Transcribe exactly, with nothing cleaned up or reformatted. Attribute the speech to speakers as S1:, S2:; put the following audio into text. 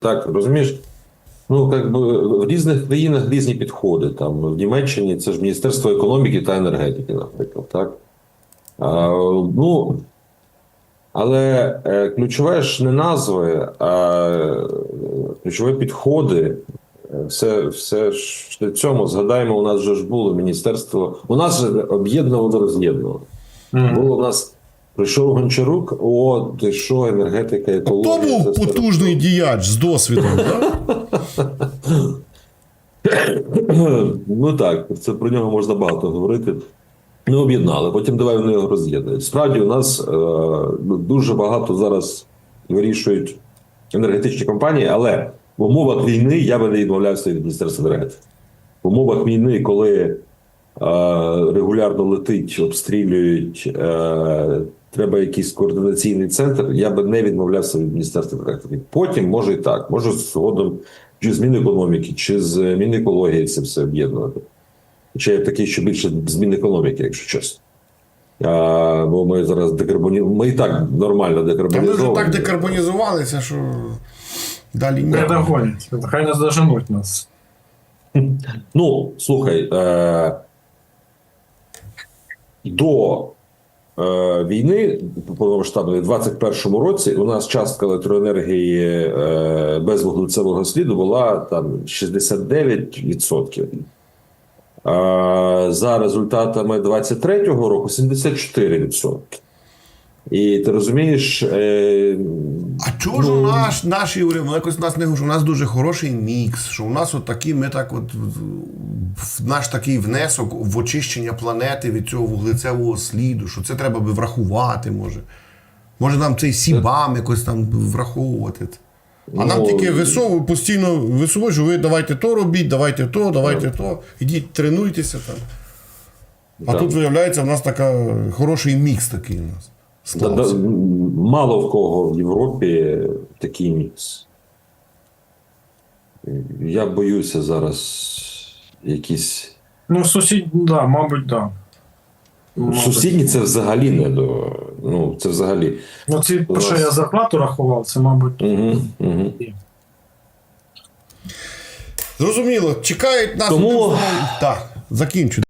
S1: Так, розумієш? Ну, як би в різних країнах різні підходи. Там в Німеччині це ж Міністерство економіки та енергетики, наприклад. Так? А, ну, але е, ключове ж не назви, а ключові підходи. Все, все ж для цьому, згадаємо, у нас вже ж було міністерство. У нас же об'єднувало, роз'єднувало. Mm. Було у нас. Прийшов Гончарук, о, ти що, енергетика, екологія.
S2: Хто був потужний діяч з досвідом, так?
S1: Ну так, це про нього можна багато говорити. Не об'єднали, потім давай вони його роз'єднують. Справді, у нас е, дуже багато зараз вирішують енергетичні компанії, але в умовах війни я би не відмовлявся від Міністерства енергетики. В умовах війни, коли е, регулярно летить, обстрілюють, е, треба якийсь координаційний центр, я би не відмовлявся від Міністерства енергетики. Потім, може і так, може згодом чи з Мінекономіки, чи з Мінекології це все об'єднувати. Хоча я такий, що більше з Мінекономіки, якщо чесно. А, бо ми зараз декарбонізуємо, ми і так нормально декарбонізовані.
S2: Та ми вже так декарбонізувалися, що далі ні.
S3: Не догонять, хай не заженуть нас.
S1: Ну, слухай, е, до е, війни, повномасштабної, в двадцять першому році у нас частка електроенергії е, без вуглецевого сліду була там шістдесят дев'ять відсотків. А за результатами двадцять третього року сімдесят чотири відсотки. І ти розумієш... Е,
S2: а чого ж у нас, наші уряди, якось у нас не що у нас дуже хороший мікс, що у нас от такі, ми так от, наш такий внесок в очищення планети від цього вуглецевого сліду, що це треба би врахувати, може. Може нам цей сібам якось там враховувати. А ну, нам тільки висовують, постійно висовують, що ви давайте то робіть, давайте то, давайте так. то. Ідіть, тренуйтеся там. А так. Тут, виявляється, в нас така хороший мікс такий у нас.
S1: Да, да, мало в кого в Європі такий мікс. Я боюся зараз якісь...
S3: Ну, сусід, да, мабуть, да.
S1: Мабуть. Сусідні це взагалі не до... Ну, це взагалі...
S3: Ну, це,
S1: нас...
S3: що я зарплату рахував, це, мабуть...
S1: Угу, угу.
S2: Зрозуміло, чекають нас...
S1: Тому...
S2: Так, закінчу.